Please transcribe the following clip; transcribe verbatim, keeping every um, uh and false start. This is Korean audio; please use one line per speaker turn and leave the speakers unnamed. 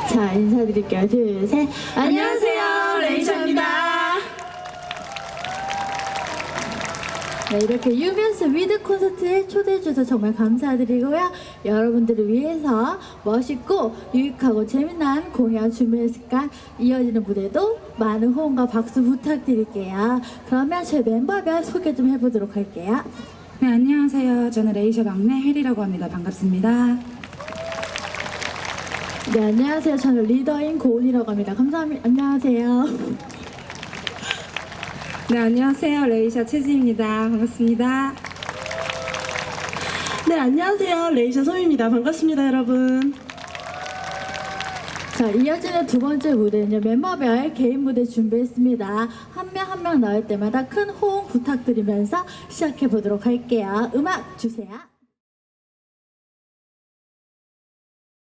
자, 인사드릴게요. 둘, 셋.
안녕하세요, 레이샤입니다.
네, 이렇게 유면스 위드 콘서트에 초대해주셔서 정말 감사드리고요. 여러분들을 위해서 멋있고 유익하고 재미난 공연 준비했으니까 이어지는 무대도 많은 호응과 박수 부탁드릴게요. 그러면 저희 멤버별 소개 좀 해보도록 할게요.
네, 안녕하세요. 저는 레이샤 막내 혜리라고 합니다. 반갑습니다.
네, 안녕하세요. 저는 리더인 고은이라고 합니다. 감사합니다. 안녕하세요.
네, 안녕하세요. 레이샤 채지입니다. 반갑습니다.
네, 안녕하세요. 레이샤 소미입니다. 반갑습니다, 여러분.
자, 이어지는 두 번째 무대는요, 멤버별 개인 무대 준비했습니다. 한 명 한 명 나올 때마다 큰 호응 부탁드리면서 시작해 보도록 할게요. 음악 주세요.